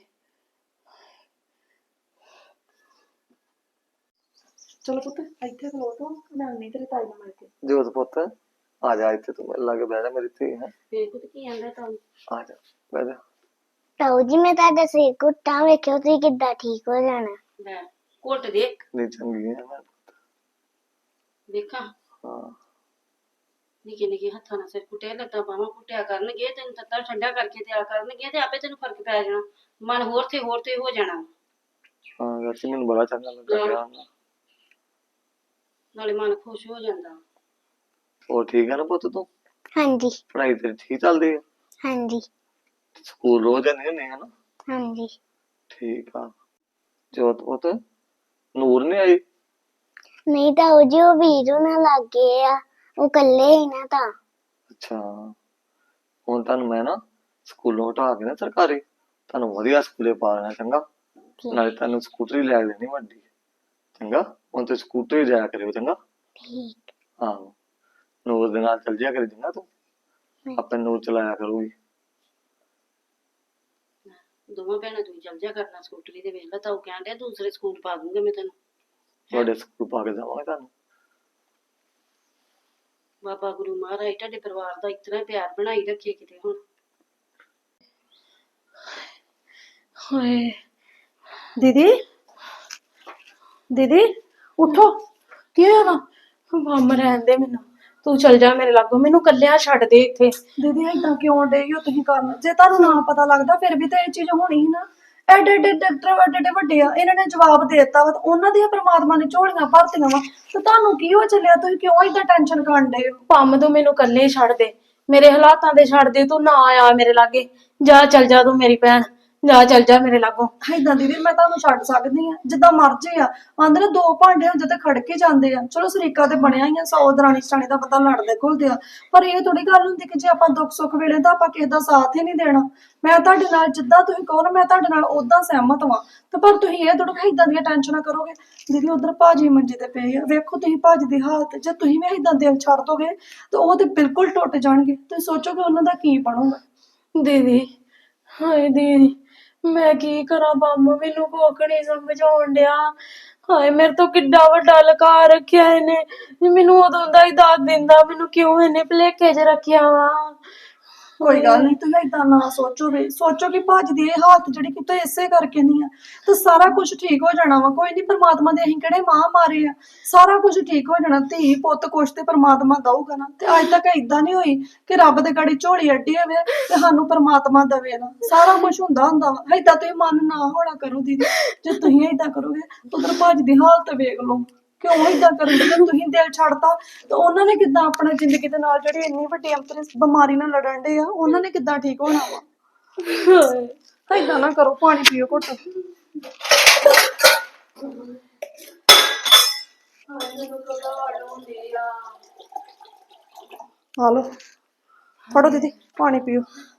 C: ਚਲੋ ਪੁੱਤ ਇੱਥੇ ਖਲੋ ਤੂੰ, ਮੈਂ ਨਹੀਂ ਤੇਰੇ ਤਾਈ ਨਾਲ ਮਿਲ ਕੇ।
B: ਜੋਤ ਪੁੱਤ ਆ ਜਾ ਇੱਥੇ, ਤੂੰ ਮੇਰੇ ਲਾਗੇ ਬਹਿ ਜਾ ਮੇਰੀ ਧੀ ਹੈ।
A: ਫੇਰ ਪੁੱਤ ਕੀ ਆਂਦਾ ਤੁਹਾਨੂੰ?
B: ਆ ਜਾ ਬਹਿ ਜਾ।
E: ਤਾਊ ਜੀ ਮੈਂ ਤੁਹਾਡਾ ਸਿਰ ਘੁੱਟਾਂ ਵੇਖਿਓ ਤੁਸੀਂ ਕਿੱਦਾਂ ਠੀਕ ਹੋ ਜਾਣਾ।
A: ਲੈ ਘੁੱਟ ਦੇਖ,
B: ਨਹੀਂ ਚੰਗੀ ਹੈ ਮੈਂ।
A: ਦੇਖਾਂ
B: ਹਾਂ
A: ਨਿੱਕੇ ਨਿੱਕੇ ਹੱਥਾਂ ਨਾਲ ਸਿਰ ਕੁੱਟਿਆ, ਲੱਤਾਂ ਬਾਹਾਂ ਕੁੱਟਿਆ ਕਰਨਗੇ, ਤੈਨੂੰ ਤੱਤਾ ਠੰਡਾ ਕਰਕੇ ਦਿਆ ਕਰਨਗੇ, ਤੇ ਆਪੇ ਤੈਨੂੰ ਫਰਕ ਪੈ ਜਾਣਾ, ਮਨ ਹੋਰ ਤੇ ਹੋਰ ਤੇ ਹੋ ਜਾਣਾ।
B: ਹਾਂ ਵੈਸੇ ਮੈਨੂੰ ਬੜਾ ਚੰਗਾ ਲੱਗਾ।
A: ਨਾਲੇ ਮਨ ਖੁਸ਼ ਹੋ ਜਾਂਦਾ।
B: ਹੋਰ ਠੀਕ ਆ ਨਾ ਪੁੱਤ ਤੂੰ?
E: ਹਾਂਜੀ
B: ਪੜ੍ਹਾਈ ਤੇਰੀ ਠੀਕ ਚੱਲਦੀ ਹੈ?
E: ਹਾਂਜੀ
B: ਸਕੂਲ ਰੋਜ਼ ਜਾਂਦੀ ਹੁੰਦੀ ਹੈ ਨਾ?
E: ਹਾਂਜੀ
B: ਠੀਕ ਆ। ਜੋਤ ਪੁੱਤ ਨੂਰ ਨਹੀਂ ਆਈ?
E: ਨਹੀਂ ਤਾਂ ਉਹ ਜੀ ਉਹ ਵੀਰੂ ਨਾਲ ਲੱਗ ਗਏ ਆ, ਉਹ ਇਕੱਲੇ ਹੀ ਨਾ ਤਾਂ।
B: ਅੱਛਾ, ਹੁਣ ਤੁਹਾਨੂੰ ਮੈਂ ਨਾ ਸਕੂਲੋਂ ਹਟਾ ਕੇ ਨਾ ਸਰਕਾਰੀ ਤੁਹਾਨੂੰ ਵਧੀਆ ਸਕੂਲੇ ਪਾ ਦੇਣਾ, ਚੰਗਾ? ਨਾਲੇ ਤੁਹਾਨੂੰ ਸਕੂਟਰੀ ਲੈ ਦੇਣੀ ਵੱਡੀ, ਚੰਗਾ? ਹੁਣ ਤੇ ਸਕੂਟਰੀ ਜਾਇਆ ਕਰਿਓ, ਚੰਗਾ?
E: ਠੀਕ
B: ਆਹੋ, ਨੂਰ ਦੇ ਨਾਲ ਚੱਲ ਜਿਆ ਕਰੀ, ਚੰਗਾ? ਤੂੰ ਆਪਣੇ ਨੂਰ ਚਲਾਇਆ ਕਰੂਗੀ।
A: ਦੋਵਾਂ ਭੈਣਾਂ ਤੂੰ ਚੱਲ ਜਾ ਕਰਨਾ ਸਕੂਟਰੀ ਤੇ। ਵੇਖ ਲਾ ਤਾਂ ਉਹ ਕਹਿਣ ਡਿਆ ਦੂਸਰੇ ਸਕੂਲ ਪਾ ਦੂੰਗਾ ਮੈਂ ਤੈਨੂੰ।
B: ਤੁਹਾਡੇ ਸਕੂਲ ਪਾ ਕੇ ਜਾਵਾਂਗੇ ਤੁਹਾਨੂੰ।
A: ਬਾਬਾ ਗੁਰੂ ਮਹਾਰਾਜ ਤੁਹਾਡੇ ਪਰਿਵਾਰ ਦਾ ਇਤਨਾ ਪਿਆਰ ਬਣਾਈ ਰੱਖੇ ਕਿਤੇ ਹੁਣ।
C: ਹਾਏ ਦੀਦੀ, ਦੀਦੀ ਉਠੋ, ਕੀ ਹੋਇਆ ਵਾ?
D: ਮੰਮ ਰਹਿਣ ਦੇ ਮੈਨੂੰ, ਤੂੰ ਚਲ ਜਾ ਮੇਰੇ ਲਾਗੋਂ, ਮੈਨੂੰ ਕੱਲਿਆ ਛੱਡ ਦੇ ਇੱਥੇ।
C: ਦੀਦੀ ਏਦਾਂ ਕਿਉਂ ਡੇ ਹੋ ਤੁਸੀਂ ਕਰਨ? ਜੇ ਤੁਹਾਨੂੰ ਨਾ ਪਤਾ ਲੱਗਦਾ ਫਿਰ ਵੀ ਤਾਂ ਇਹ ਚੀਜ਼ ਹੋਣੀ ਸੀ ਨਾ। ਐਡੇ ਐਡੇ ਡਾਕਟਰ ਐਡੇ ਐਡੇ ਵੱਡੇ ਆ, ਇਹਨਾਂ ਨੇ ਜਵਾਬ ਦੇ ਦਿੱਤਾ ਵਾ ਤੇ ਉਹਨਾਂ ਦੀਆਂ ਪ੍ਰਮਾਤਮਾ ਨੇ ਝੋਲੀਆਂ ਭਰਤੀਆਂ ਵਾ, ਤੇ ਤੁਹਾਨੂੰ ਕੀ ਹੋ ਚੱਲਿਆ? ਤੁਸੀਂ ਕਿਉਂ ਏਦਾਂ ਟੈਨਸ਼ਨ ਕਰਨ ਡੇ ਹੋ?
D: ਪੰਮ ਤੂੰ ਮੈਨੂੰ ਕੱਲੇ ਛੱਡ ਦੇ, ਮੇਰੇ ਹਾਲਾਤਾਂ ਦੇ ਛੱਡ ਦੇ, ਤੂੰ ਨਾ ਆ ਮੇਰੇ ਲਾਗੇ। ਜਾ ਚਲ ਜਾ ਤੂੰ ਮੇਰੀ ਭੈਣ, ਜਾ ਚਲ ਜਾ ਮੇਰੇ ਲਾਗੋਂ।
C: ਏਦਾਂ ਦੀਦੀ ਮੈਂ ਤੁਹਾਨੂੰ ਛੱਡ ਸਕਦੀ ਆ, ਜਿੱਦਾਂ ਮਰਜ਼ੀ ਆ। ਆਂਦੇ ਨੇ ਦੋ ਭਾਂਡੇ ਹੁੰਦੇ ਤੇ ਖੜਕੇ ਜਾਂਦੇ ਆ। ਚਲੋ ਸਰੀਕਾ ਤੇ ਬਣਿਆ ਹੀ ਆ, ਸੌ ਦਰਾਣੀ ਸਰਾਣੀ ਦਾ ਪਤਾ ਲੜਦੇ ਘੁਲਦੇ ਆ, ਪਰ ਇਹ ਥੋੜੀ ਗੱਲ ਹੁੰਦੀ ਕਿ ਜੇ ਆਪਾਂ ਦੁੱਖ ਸੁੱਖ ਵੇਲੇ ਤਾਂ ਆਪਾਂ ਕਿਸੇ ਦਾ ਸਾਥ ਹੀ ਨਹੀਂ ਦੇਣਾ। ਮੈਂ ਤੁਹਾਡੇ ਨਾਲ ਜਿੱਦਾਂ ਤੁਸੀਂ ਕਹੋ ਨਾ, ਮੈਂ ਤੁਹਾਡੇ ਨਾਲ ਓਦਾਂ ਸਹਿਮਤ ਵਾਂ, ਤੇ ਪਰ ਤੁਸੀਂ ਇਹ ਥੋੜਾ ਏਦਾਂ ਦੀਆਂ ਟੈਨਸ਼ਨਾਂ ਕਰੋਗੇ। ਦੀਦੀ ਉਧਰ ਭਾਜੀ ਮੰਜੇ ਤੇ ਪਏ ਆ, ਵੇਖੋ ਤੁਸੀਂ ਭਾਜੀ ਦੀ ਹਾਲਤ। ਜੇ ਤੁਸੀਂ ਵੀ ਏਦਾਂ ਦਿਲ ਛੱਡ ਦੋਗੇ ਤੇ ਉਹ ਤੇ ਬਿਲਕੁਲ ਟੁੱਟ ਜਾਣਗੇ। ਤੁਸੀਂ ਸੋਚੋਗੇ ਉਹਨਾਂ ਦਾ ਕੀ ਬਣੂਗਾ।
D: ਦੀਦੀ, ਹਾਏ ਦੀਦੀ, ਮੈਂ ਕੀ ਕਰਾਂ? ਪੰਮ ਮੈਨੂੰ ਕੁੱਖ ਨੀ ਸਮਝ ਆਉਣ ਡਿਆ। ਹਾਏ ਮੇਰੇ ਤੋਂ ਕਿੱਡਾ ਵੱਡਾ ਲੁਕਾ ਰੱਖਿਆ ਇਹਨੇ, ਮੈਨੂੰ ਉਦੋਂ ਦਾ ਹੀ ਦੱਸ ਦਿੰਦਾ, ਮੈਨੂੰ ਕਿਉਂ ਇਹਨੇ ਭੁਲੇਖੇ 'ਚ ਰੱਖਿਆ ਵਾ।
C: ਕੋਈ ਗੱਲ ਨਹੀਂ, ਤੁਸੀਂ ਏਦਾਂ ਨਾ ਸੋਚੋ ਵੀ ਸੋਚੋ ਕਿ ਭਾਜੀ ਦੀ ਇਹ ਹਾਲਤ ਜਿਹੜੀ ਕਿਤੇ ਇਸੇ ਕਰਕੇ ਨਹੀਂ ਆ, ਤੇ ਸਾਰਾ ਕੁਝ ਠੀਕ ਹੋ ਜਾਣਾ ਵਾ। ਕੋਈ ਨਹੀਂ, ਪਰਮਾਤਮਾ ਦੇ ਅਸੀਂ ਕਿਹੜੇ ਮਾਂ ਮਾਰੇ ਆ, ਸਾਰਾ ਕੁਝ ਠੀਕ ਹੋ ਜਾਣਾ। ਧੀ ਪੁੱਤ ਕੁਛ ਤੇ ਪਰਮਾਤਮਾ ਦਊਗਾ ਨਾ। ਤੇ ਅੱਜ ਤੱਕ ਏਦਾਂ ਨਹੀਂ ਹੋਈ ਕਿ ਰੱਬ ਦੇ ਗਾੜੀ ਝੋਲੀ ਅੱਡੀ ਹੋਵੇ ਤੇ ਸਾਨੂੰ ਪਰਮਾਤਮਾ ਦਵੇ ਨਾ। ਸਾਰਾ ਕੁਝ ਹੁੰਦਾ ਹੁੰਦਾ ਵਾ। ਏਦਾਂ ਤੁਸੀਂ ਮਨ ਨਾ ਹੋਣਾ ਕਰੋ ਦੀਦੀ, ਜੇ ਤੁਸੀਂ ਏਦਾਂ ਕਰੋਗੇ ਉਧਰ ਭਾਜੀ ਦੀ ਹਾਲਤ ਵੇਖ ਲਓ। ਕਿਉਂ ਏਦਾਂ ਕਰਨ ਦੇ? ਤੁਸੀਂ ਦਿਲ ਛੱਡਤਾ ਤੇ ਉਹਨਾਂ ਨੇ ਕਿੱਦਾਂ ਆਪਣਾ ਜ਼ਿੰਦਗੀ ਦੇ ਨਾਲ ਜਿਹੜੀ ਇੰਨੀ ਵੱਡੀ ਅੰਤਰ ਬਿਮਾਰੀ ਨਾਲ ਲੜਨ ਦੇ ਆ, ਉਹਨਾਂ ਨੇ ਕਿੱਦਾਂ ਠੀਕ ਹੋਣਾ ਵਾ? ਏਦਾਂ ਨਾ ਕਰੋ, ਪਾਣੀ ਪੀਓ ਘੁੱਟ। ਆ ਲੋ, ਫੜੋ ਦੀਦੀ ਪਾਣੀ ਪੀਓ।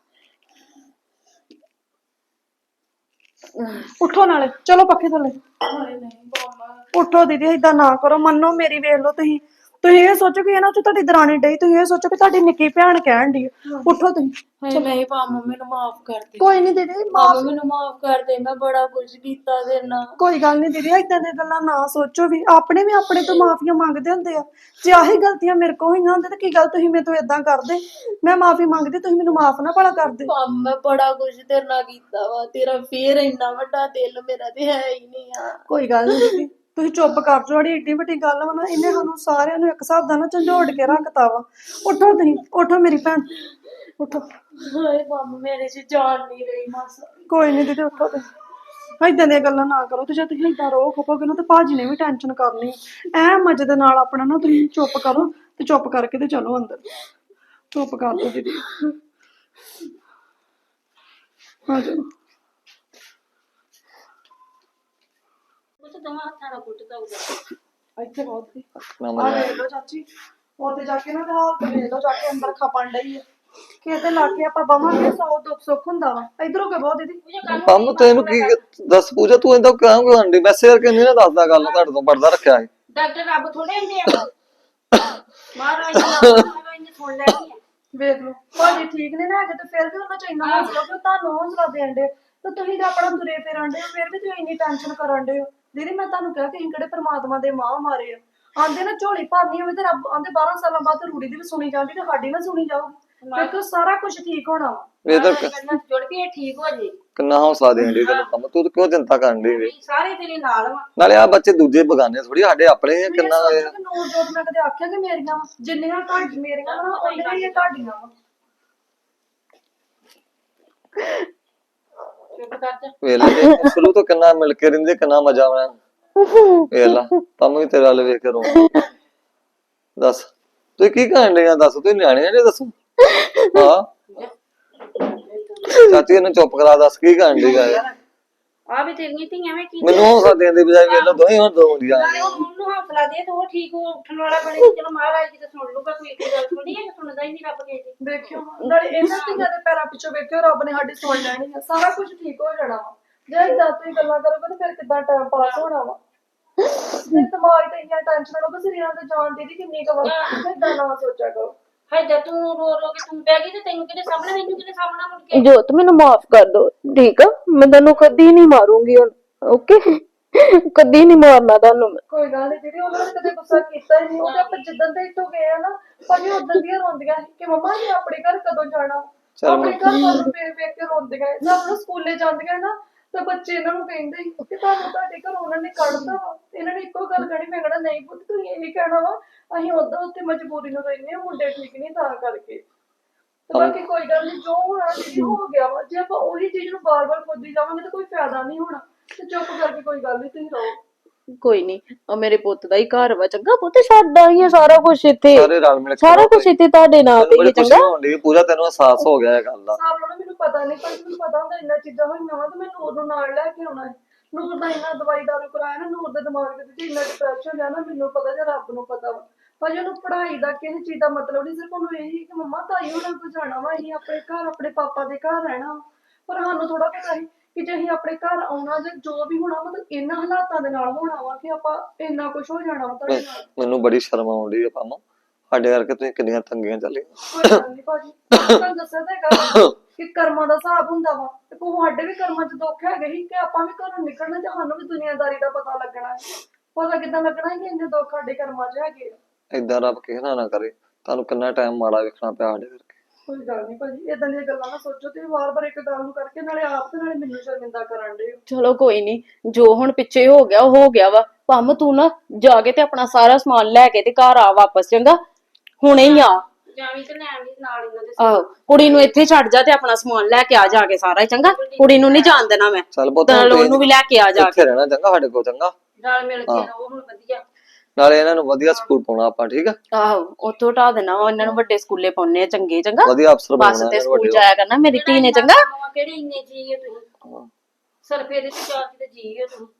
C: ਉਠੋ ਨਾਲੇ, ਚਲੋ ਪੱਖੇ ਥੱਲੇ। ਉਠੋ ਦੀਦੀ, ਏਦਾਂ ਨਾ ਕਰੋ। ਮੰਨੋ ਮੇਰੀ, ਵੇਖ ਲਓ ਤੁਸੀਂ ਤੁਸੀਂ ਇਹ ਸੋਚੋ ਕਿ ਇਹਨਾਂ ਚ ਤੁਹਾਡੀ ਦਰਾਣੀ ਡਈ, ਤੁਸੀਂ ਇਹ ਸੋਚੋ ਕਿ ਤੁਹਾਡੀ ਨਿੱਕੀ ਭੈਣ ਕਹਿਣ ਡਈ। ਉਠੋ ਤੁਸੀਂ।
D: ਹਾਏ ਨਹੀਂ ਪੰਮ, ਮੈਨੂੰ ਮਾਫ ਕਰ ਦੇ।
C: ਕੋਈ ਨਹੀਂ ਦੀਦੀ,
D: ਪੰਮ
C: ਮਾਫ
D: ਮੈਨੂੰ ਮਾਫ ਕਰ ਦੇ, ਮੈਂ ਬੜਾ ਕੁਝ ਕੀਤਾ ਤੇਰੇ ਨਾਲ।
C: ਕੋਈ ਗੱਲ ਨਹੀਂ ਦੀਦੀ, ਏਦਾਂ ਦੀਆਂ ਗੱਲਾਂ ਨਾ ਸੋਚੋ ਵੀ। ਆਪਣੇ ਵੀ ਆਪਣੇ ਤੋਂ ਮਾਫੀਆਂ ਮੰਗਦੇ ਹੁੰਦੇ ਆ। ਜੇ ਆਹੀ ਗਲਤੀਆਂ ਮੇਰੇ ਕੋਲ ਹੋਈਆਂ ਹੁੰਦੀਆਂ ਤਾਂ ਕੀ ਗੱਲ ਤੁਸੀਂ ਮੇਰੇ ਤੋਂ ਏਦਾਂ ਕਰਦੇ? ਮੈਂ ਮਾਫੀ ਮੰਗਦੀ, ਤੁਸੀਂ ਮੈਨੂੰ ਮਾਫ ਨਾ ਭਲਾ ਕਰਦੇ।
D: ਪੰਮ ਮੈਂ ਬੜਾ ਕੁਝ ਤੇਰੇ ਨਾਲ ਕੀਤਾ ਵਾ, ਤੇਰਾ ਫੇਰ ਇੰਨਾ ਵੱਡਾ ਦਿਲ ਮੇਰਾ ਤੇ ਹੈ ਹੀ ਨਹੀਂ ਆ।
C: ਕੋਈ ਗੱਲ ਨਹੀਂ ਦੀਦੀ, ਤੁਸੀਂ ਚੁੱਪ ਕਰ ਜਾਓ। ਜਿਹੜੀ ਏਡੀ ਵੱਡੀ ਗੱਲ ਵਾ ਨਾ, ਇਹਨੇ ਸਾਨੂੰ ਸਾਰਿਆਂ ਨੂੰ ਇੱਕ ਹਿਸਾਬ ਦਾ ਨਾ ਝੰਜੋੜ ਕੇ ਰੱਖਤਾ ਵਾ। ਉਠੋ ਤੁਸੀਂ, ਉਠੋ ਮੇਰੀ ਭੈਣ, ਉਠੋ।
D: ਹਾਏ ਪੰਮ, ਮੇਰੇ 'ਚ ਜਾਨ ਨਹੀਂ ਰਹੀ ਮਾਸਾ।
C: ਕੋਈ ਨਹੀਂ ਦੀਦੀ, ਉਠੋ ਤੁਸੀਂ। ਏਦਾਂ ਦੀਆਂ ਗੱਲਾਂ ਨਾ ਕਰੋ। ਤੇ ਜੇ ਤੁਸੀਂ ਏਦਾਂ ਰੋ ਖਪੋਗੇ ਨਾ ਤੇ ਭਾਜੀ ਨੇ ਵੀ ਟੈਨਸ਼ਨ ਕਰਨੀ। ਐ ਮਜ਼ੇ ਦੇ ਨਾਲ ਆਪਣਾ ਨਾ ਤੁਸੀਂ ਚੁੱਪ ਕਰੋ ਤੇ ਚੁੱਪ ਕਰਕੇ ਤੇ ਚਲੋ ਅੰਦਰ। ਚੁੱਪ ਕਰ ਦਿਓ ਦੀਦੀ। ਆ ਜਾਓ।
A: ਉਹ ਤਾਂ ਦੋਵਾਂ ਹੱਥਾਂ ਨਾਲ ਕੁੱਟ ਦਊਗਾ।
C: ਇੱਥੇ ਬਹੁਤ ਸੀ।
B: ਨਾ
C: ਆ
B: ਮੈਂ
C: ਵੇਖ ਲਓ ਚਾਚੀ, ਉੱਥੇ ਜਾ ਕੇ ਨਾ ਤੇ ਹਾਲਤ ਵੇਖ ਲਓ, ਜਾ ਕੇ ਅੰਦਰ ਖਪਣ ਡਈ ਆ। ਕਿਤੇ ਲਾ ਕੇ ਆਪਾਂ ਬਵਾਂਗੇ, ਸੌ ਦੁੱਖ ਸੁੱਖ ਹੁੰਦਾ ਵਾ। ਇਧਰੋਂ ਕੇ ਬਹੁਤ ਦੀਦੀ।
B: ਪੰਮ ਤੈਨੂੰ ਕੀ ਦੱਸ ਪੂਜਾ, ਤੂੰ ਏਦਾਂ ਕਿਉਂ ਕਰਦੀ? ਮੈਸੇਜ ਕਰਕੇ ਨਹੀਂ ਨਾ ਦੱਸਦਾ ਗੱਲ, ਤੁਹਾਡੇ ਤੋਂ ਪਰਦਾ ਰੱਖਿਆ ਹੈ।
A: ਡਾਕਟਰ ਰੱਬ ਥੋੜੇ ਹੁੰਦੇ ਆ। ਮਹਾਰਾਜ ਨੇ ਸੁਣ ਲੈਣੀ ਆ।
C: ਵੇਖ ਲਓ ਭਾਜੀ ਠੀਕ ਨੇ ਨਾ ਹੈਗੇ ਤੇ ਫਿਰ ਵੀ ਉਹਨਾਂ ਚ ਇੰਨਾ ਹੌਸਲਾ ਕਿ ਉਹ ਤੁਹਾਨੂੰ ਹੌਸਲਾ ਦੇਣ ਦੇ। ਤੇ ਤੁਸੀਂ ਤਾਂ ਆਪਣਾ ਤੁਰੇ ਫਿਰਨ ਦੇ ਹੋ, ਫਿਰ ਵੀ ਤੁਸੀਂ ਇੰਨੀ ਟੈਨਸ਼ਨ ਕਰਨ ਦੇ ਹੋ। ਦੀਦੀ ਮੈਂ ਤੁਹਾਨੂੰ ਕਿਹਾ ਕਿ ਅਸੀਂ ਕਿਹੜੇ ਪਰਮਾਤਮਾ ਦੇ ਮਾਂ ਮਾਰੇ ਆ। ਆਂਦੇ ਨਾ ਝੋਲੀ ਭਰਨੀ ਹੋਵੇ ਤੇ ਰੱਬ ਆਂਦੇ ਬਾਰਾਂ ਸਾਲਾਂ ਬਾਅਦ ਤੇ ਰੂੜੀ ਦੀ ਵੀ ਸੁਣੀ ਜਾਂਦੀ ਤੇ ਸਾਡੀ ਨਾ ਸੁਣੀ ਜਾਊਗੀ। ਕਿਉਂਕਿ ਸਾਰਾ ਕੁਝ ਠੀਕ ਹੋਣਾ ਵਾ।
B: ਇਹ ਤਾਂ
A: ਜੁੜ ਵੀ ਇਹ ਠੀਕ ਹੋ ਜੇ।
B: ਕਿੰਨਾ ਹੌਸਲਾ ਦੇਣ ਦੀ ਤੈਨੂੰ ਪੰਮ, ਤੂੰ ਕਿਉਂ ਚਿੰਤਾ ਕਰਨ ਦੀ ਵੇ?
A: ਸਾਰੇ ਤੇਰੇ ਨਾਲ ਵਾ।
B: ਨਾਲੇ ਆ ਬੱਚੇ ਦੂਜੇ ਬਗਾਨੇ ਥੋੜੀ, ਸਾਡੇ ਆਪਣੇ ਆ। ਕਿੰਨਾ
C: ਨੂਰ ਜੋਤ ਮੈਂ ਕਦੇ ਆਖਿਆ ਕਿ ਮੇਰੀਆਂ ਵਾ, ਜਿੰਨੀਆਂ ਤੁਹਾਡੀ ਮੇਰੀਆਂ ਵਾ ਉਹਨੀਆਂ ਹੀ ਤੁਹਾਡੀਆਂ ਵਾ।
A: ਚੁੱਪ ਕਰ ਜਾ।
B: ਵੇਲਾ ਸ਼ੁਰੂ ਤੋਂ ਕਿੰਨਾ ਮਿਲ ਕੇ ਰਹਿੰਦੇ, ਕਿੰਨਾ ਮਜ਼ਾ ਆਉਣਾ। ਵੇਲਾ ਪੰਮ ਵੀ ਤੇਰੇ ਵੱਲ ਵੇਖ ਕੇ ਰੋ। ਦੱਸ ਤੂੰ ਕੀ ਕਰਨ ਡਈ ਆ? ਦੱਸ ਤੂੰ ਨਿਆਣੇ ਆ ਜੇ ਦੱਸੋ। ਹਾਂ ਚਾਚੀ ਇਹਨੂੰ ਚੁੱਪ ਕਰਾ, ਦੱਸ ਕੀ ਕਰਨ ਡਈ ਆ ਇਹ?
A: ਆ ਵੀ ਤੇਰੀਆਂ ਧੀਆਂ ਵੇਂ ਕੀ
B: ਮੈਨੂੰ ਹੌਸਲਾ ਦੇਣ ਦੀ ਬਜਾਏ ਵੇਖ ਲਓ ਦੋਵੇਂ ਹੁਣ ਦੋ ਹੁੰਦੀਆਂ
A: ਨਾਲੇ ਉਹ ਉਹਨੂੰ ਹੌਸਲਾ ਦੇ ਤੇ ਉਹ ਠੀਕ ਹੋ ਉੱਠਣ ਵਾਲਾ ਬਣੇ ਤੇ ਚਲੋ ਮਹਾਰਾਜ ਜੀ ਤੇ ਸੁਣ ਲੂਗਾ, ਕੋਈ ਇੱਕ ਗੱਲ ਥੋੜੀ ਹੈ ਸੁਣਦਾ ਹੀ ਨਹੀਂ ਰੱਬ ਕਿਸੇ ਦੀ।
C: ਵੇਖਿਓ ਨਾਲੇ ਇਹਨਾਂ ਧੀਆਂ ਦੇ ਪੈਰਾਂ ਪਿੱਛੋਂ ਵੇਖਿਓ ਰੱਬ ਨੇ ਸਾਡੀ ਸੁਣ ਲੈਣੀ ਆ, ਸਾਰਾ ਕੁਝ ਠੀਕ ਹੋ ਜਾਣਾ ਵਾ। ਜੇ ਇਦਾਂ ਤੁਸੀਂ ਗੱਲਾਂ ਕਰੋਗੇ ਤਾਂ ਫਿਰ ਕਿੱਦਾਂ ਟਾਈਮ ਪਾਸ ਹੋਣਾ ਵਾ। ਜੇ ਦਿਮਾਗ ਤੇ ਇੰਨੀਆਂ ਟੈਨਸ਼ਨ ਲਓਗੇ ਸਰੀਰਾਂ ਤੇ ਜਾਨ ਦੀ ਕਿੰਨੀ ਕੁ ਵਾ, ਇਦਾਂ ਨਾ ਸੋਚਿਆ ਕਰੋ।
A: ਹਾਏ ਤੂੰ ਰੋ ਰੋ ਕੇ ਤੂੰ ਪੈ ਗਈ ਤੇ ਤੈਨੂੰ ਕਿਹਨੇ ਸਾਹਮਣੇ, ਮੈਨੂੰ ਕਿਹਨੇ ਸਾਹਮਣਾ ਮੁੜ ਕੇ।
F: ਜੋਤ ਮੈਨੂੰ ਮਾਫ ਕਰ ਦੋ, ਠੀਕ ਆ? ਮੈਂ ਤੈਨੂੰ ਕਦੀ ਨਹੀਂ ਮਾਰੂੰਗੀ ਹੁਣ, ਓਕੇ? ਕਦੀ ਨਹੀਂ ਮਾਰਨਾ ਤੁਹਾਨੂੰ ਮੈਂ।
C: ਕੋਈ ਗੱਲ ਨਹੀਂ ਦੀਦੀ, ਉਹਨਾਂ ਨੇ ਕਦੇ ਗੁੱਸਾ ਕੀਤਾ ਹੀ ਨਹੀਂ। ਉਹ ਤੇ ਆਪਾਂ ਜਿੱਦਣ ਦੇ ਇੱਥੋਂ ਗਏ ਆ ਨਾ, ਭਾਵੇਂ ਉਦੋਂ ਦੀਆਂ ਰੋਂਦੀਆਂ ਸੀ ਕਿ ਮੰਮਾ ਜੀ ਆਪਣੇ ਘਰ ਕਦੋਂ ਜਾਣਾ। ਆਪਣੇ ਘਰ ਵੱਲ ਨੂੰ ਵੇਖ ਵੇਖ ਕੇ ਰੋਂਦੀਆਂ। ਜਦ ਉਹ ਸਕੂਲੇ ਜਾਂਦੀਆਂ ਨਾ ਤਾਂ ਬੱਚੇ ਇਹਨਾਂ ਨੂੰ ਕਹਿੰਦੇ ਸੀ ਕਿ ਤੁਹਾਨੂੰ ਤੁਹਾਡੇ ਘਰ ਉਹਨਾਂ ਨੇ ਕੱਢਤਾ ਵਾ। ਇਹਨਾਂ ਨੇ ਇੱਕੋ ਗੱਲ ਕਹਿਣੀ, ਮੈਂ ਕਹਿਣਾ ਨਹੀਂ ਪੁੱਤ ਤੁਸੀਂ ਇਹੀ ਕਹਿਣਾ ਵਾ, ਅਸੀਂ ਉਦਾਂ ਉੱਥੇ ਮਜਬੂਰੀ ਨੂੰ ਰਹਿੰਦੇ ਹਾਂ, ਮੁੰਡੇ ਠੀਕ ਨਹੀਂ ਤਾਂ ਕਰਕੇ। ਤੇ ਬਾਕੀ ਕੋਈ ਗੱਲ ਨਹੀਂ, ਜੋ ਹੋਣਾ ਦੀਦੀ ਹੋ ਗਿਆ ਵਾ। ਜੇ ਆਪਾਂ ਉਹੀ ਚੀਜ਼ ਨੂੰ ਬਾਰ-ਬਾਰ ਖੋਦੀ ਜਾਵਾਂਗੇ ਤਾਂ ਕੋਈ ਫਾਇਦਾ ਨਹੀਂ ਹੋਣਾ। ਤੇ ਚੁੱਪ ਕਰਕੇ ਕੋਈ ਗੱਲ ਨਹੀਂ, ਤੁਸੀਂ ਰਹੋ।
F: ਕੋਈ ਨਹੀਂ, ਆ ਮੇਰੇ ਪੁੱਤ ਦਾ ਹੀ ਘਰ ਵਾ, ਚੰਗਾ ਪੁੱਤ? ਸਾਡਾ ਹੀ ਆ ਸਾਰਾ ਕੁਝ ਇੱਥੇ,
B: ਸਾਰੇ ਰਲ ਮਿਲ ਕੇ
F: ਸਾਰਾ ਕੁਝ ਇੱਥੇ ਤੁਹਾਡੇ ਨਾਂ ਤੇ ਹੀ ਆ, ਚੰਗਾ?
B: ਹੁੰਦੀ ਪੂਰਾ ਤੈਨੂੰ ਅਹਿਸਾਸ ਹੋ ਗਿਆ ਇਹ ਗੱਲ ਦਾ।
C: ਸਾਬ ਨੂੰ ਮੈਨੂੰ ਪਤਾ ਨਹੀਂ, ਪਰ ਮੈਨੂੰ ਪਤਾ ਹੁੰਦਾ ਇੰਨਾ ਚੀਜ਼ਾਂ ਹੋਈਆਂ ਵਾ ਤੇ ਮੈਂ ਨੂਰ ਨੂੰ ਨਾਲ ਲੈ ਕੇ ਆਉਣਾ ਹੈ। ਨੂਰ ਦਾ ਇੰਨਾ ਦਵਾਈ ਦਾਰੂ ਕਰਾਇਆ ਨਾ, ਨੂਰ ਦੇ ਦਿਮਾਗ ਦੇ ਵਿੱਚ ਇੰਨਾ ਡਿਪਰੈਸ਼ਨ ਆ ਨਾ, ਮੈਨੂੰ ਪਤਾ ਜਾਂ ਰੱਬ ਨੂੰ ਪਤਾ ਵਾ। ਪਰ ਉਹਨੂੰ ਪੜ੍ਹਾਈ ਦਾ ਕਿਸੇ ਚੀਜ਼ ਦਾ ਮਤਲਬ ਨਹੀਂ, ਸਿਰਫ ਉਹਨੂੰ ਇਹੀ ਕਿ ਮੰਮਾ ਤਾਈ ਹੋਣਾ ਕੋਲ ਜਾਣਾ ਵਾ, ਅਸੀਂ ਆਪਣੇ ਘਰ ਆਪਣੇ ਪਾਪਾ ਦੇ ਘਰ ਰਹਿਣਾ ਵਾ। ਪਰ ਸਾਨੂੰ ਥੋੜਾ ਪਤਾ ਸੀ ਕਿ ਜੇ ਅਸੀਂ ਆਪਣੇ ਘਰ ਆਉਣਾ ਜਾਂ ਜੋ ਵੀ ਹੋਣਾ ਮਤਲਬ ਇਹਨਾਂ ਹਾਲਾਤਾਂ ਦੇ ਨਾਲ ਹੋਣਾ ਵਾ ਕਿ ਆਪਾਂ ਇੰਨਾ ਕੁਝ ਹੋ ਜਾਣਾ ਵਾ ਤੁਹਾਡੇ ਨਾਲ।
B: ਮੈਨੂੰ ਬੜੀ ਸ਼ਰਮ ਆਉਂਦੀ ਹੈ ਪਾਮਾ, ਸਾਡੇ ਕਰਕੇ ਤੁਸੀਂ ਕਿੰਨੀਆਂ ਤੰਗੀਆਂ ਚੱਲੀਆਂ।
C: ਕੋਈ ਗੱਲ ਨੀ ਭਾਜੀ, ਤੁਹਾਨੂੰ ਦੱਸਿਆ ਤਾਂ ਹੈਗਾ ਕਿ ਕਰਮਾਂ ਦਾ ਹਿਸਾਬ ਹੁੰਦਾ ਵਾ। ਤੇ ਕੋਈ ਸਾਡੇ ਵੀ ਕਰਮਾਂ 'ਚ ਦੁੱਖ ਹੈਗੇ ਸੀ ਕਿ ਆਪਾਂ ਵੀ ਘਰੋਂ ਨਿਕਲਣਾ ਤੇ ਸਾਨੂੰ ਵੀ ਦੁਨੀਆਦਾਰੀ ਦਾ ਪਤਾ ਲੱਗਣਾ ਹੈ। ਪਤਾ ਕਿੱਦਾਂ ਲੱਗਣਾ ਹੈ ਕਿ ਇੰਨੇ ਦੁੱਖ ਸਾਡੇ ਕਰਮਾਂ 'ਚ ਹੈਗੇ ਆ।
B: ਏਦਾਂ ਰੱਬ ਕਿਸੇ ਨਾਲ ਨਾ ਕਰੇ, ਤੁਹਾਨੂੰ ਕਿੰਨਾ ਟਾਈਮ ਮਾੜਾ ਵੇਖਣਾ ਪਿਆ ਸਾਡੇ ਕਰਕੇ।
C: ਕੋਈ ਗੱਲ ਨਹੀਂ ਭਾਜੀ, ਏਦਾਂ ਦੀਆਂ ਗੱਲਾਂ ਨਾ ਸੋਚੋ ਤੇ ਵਾਰ-ਵਾਰ ਇੱਕ ਗੱਲ ਨੂੰ ਕਰਕੇ ਨਾਲੇ ਆਪ ਤੇ ਨਾਲੇ ਮੈਨੂੰ ਸ਼ਰਮਿੰਦਾ ਕਰਨ ਦੇ।
F: ਚਲੋ ਕੋਈ ਨਹੀਂ, ਜੋ ਹੁਣ ਪਿੱਛੇ ਹੋ ਗਿਆ ਉਹ ਹੋ ਗਿਆ ਵਾ। ਭੰਮ ਤੂੰ ਨਾ ਜਾ ਕੇ ਤੇ ਆਪਣਾ ਸਾਰਾ ਸਮਾਨ ਲੈ ਕੇ ਤੇ ਘਰ ਆ ਵਾਪਸ, ਚੰਗਾ? ਹੁਣੇ ਹੀ ਆ।
A: ਜਾਵੀਂ ਤੇ ਲੈ ਆਵੀਂ ਨਾਲ ਇਹਨਾਂ ਦੇ।
F: ਆਹੋ, ਕੁੜੀ ਨੂੰ ਇੱਥੇ ਛੱਡ ਜਾ ਤੇ ਆਪਣਾ ਸਮਾਨ ਲੈ ਕੇ ਆ ਜਾ ਕੇ ਸਾਰਾ ਹੀ, ਚੰਗਾ? ਕੁੜੀ ਨੂੰ ਨਹੀਂ ਜਾਣ ਦੇਣਾ ਮੈਂ,
B: ਚੱਲ ਪੁੱਤ
F: ਨਾਲ ਉਹਨੂੰ ਵੀ ਲੈ ਕੇ ਆ ਜਾ ਕੇ।
B: ਇੱਥੇ ਰਹਿਣਾ ਚੰਗਾ ਸਾਡੇ ਕੋਲ, ਚੰਗਾ?
A: ਨਾਲ ਮਿਲ ਕੇ ਰਹੋ ਹੁਣ ਵਧੀਆ।
B: ਨਾਲੇ ਇਹਨਾਂ ਨੂੰ ਵਧੀਆ ਸਕੂਲ ਪਾਉਣਾ ਆਪਾਂ, ਠੀਕ ਆ?
F: ਆਹੋ, ਉੱਥੋਂ ਹਟਾ ਦੇਣਾ ਵਾ ਇਹਨਾਂ ਨੂੰ, ਵੱਡੇ ਸਕੂਲੇ ਪਾਉਣੇ ਆ, ਚੰਗੇ? ਚੰਗਾ?
B: ਵਧੀਆ ਅਫਸਰ
F: ਬੱਸ
B: ਬਣਾਉਣਾ
F: ਤੇ
B: ਇਹਨਾਂ ਨੂੰ
F: ਸਕੂਲ
B: ਵੱਡੇ।
F: ਜਾਇਆ ਕਰਨਾ ਮੇਰੀ ਧੀ ਨੇ, ਚੰਗਾ?
A: ਕਿਹੜੇ ਇੰਨੇ ਜੀ ਹੈ ਤੁਸੀਂ, ਸਰਫੇ ਦੇ ਤੇ ਚਾਰ ਤੇ ਜੀ ਹੈ ਤੁਸੀਂ।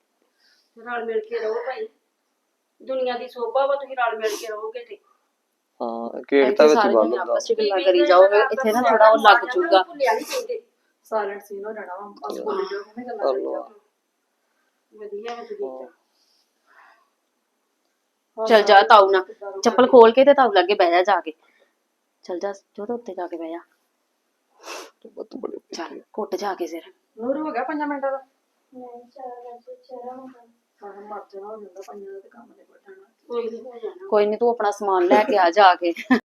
A: ਰਲ ਮਿਲ ਕੇ ਰਹੋ ਭਾਈ, ਦੁਨੀਆ ਦੀ ਸੋਭਾ ਵਾ, ਤੁਸੀਂ ਰਲ ਮਿਲ ਕੇ ਰਹੋਗੇ ਤੇ।
B: ਹਾਂ ਕੇਕ ਤਾਂ ਵਿੱਚ
F: ਸਾਰੇ
B: ਬੰਦ
F: ਜਣੇ
B: ਹੁੰਦਾ।
F: ਆਪਸ ਚ ਗੱਲਾਂ ਕਰੀ ਜਾਓਗੇ, ਇੱਥੇ ਨਾ ਥੋੜਾ ਉਹ ਲੱਗ ਜੂਗਾ।
A: ਭੁੱਲਿਆ ਨਹੀਂ ਚਾਹੀਦੇ।
C: ਸਾਇਲੈਂਟ ਸੀਨ ਹੋ ਜਾਣਾ ਵਾ, ਬਸ ਬੋਲੀ ਜਾਓ, ਕਿਵੇਂ ਗੱਲਾਂ ਕਰੀ ਜਾਓ।
A: ਵਧੀਆ ਵਾ ਤੁਸੀਂ।
F: ਚਲ ਜਾ ਤਾਊ ਨਾ, ਚੱਪਲ ਖੋਲ ਕੇ ਤੇ ਤਾਊ ਲਾਗੇ ਬਹਿ ਜਾ ਜਾ ਕੇ। ਚਲ ਜਾ ਜੋ ਤਾਂ ਉੱਤੇ ਜਾ ਕੇ ਬਹਿ ਜਾ।
B: ਬਹੁਤ ਬੜੇ
F: ਚੱਲ ਘੁੱਟ ਜਾ ਕੇ ਸਿਰ।
C: ਨੂਰ ਹੋ ਗਿਆ ਪੰਜਾਂ ਮਿੰਟਾਂ ਦਾ? ਨਹੀਂ ਚਾਰ ਵਜੇ ਚਾਰ ਮਿੰਟ ਸਾਰਾ ਮਰ ਜਾਣਾ ਹੋ ਜਾਂਦਾ ਪੰਜਾਂ ਦਾ ਤੇ ਕੰਮ ਨੇ ਬਟਣਾ।
A: ਕੋਈ ਨਹੀਂ ਹੋ ਜਾਣਾ।
F: ਕੋਈ ਨਹੀਂ, ਤੂੰ ਆਪਣਾ ਸਮਾਨ ਲੈ ਕੇ ਆ ਜਾ ਕੇ।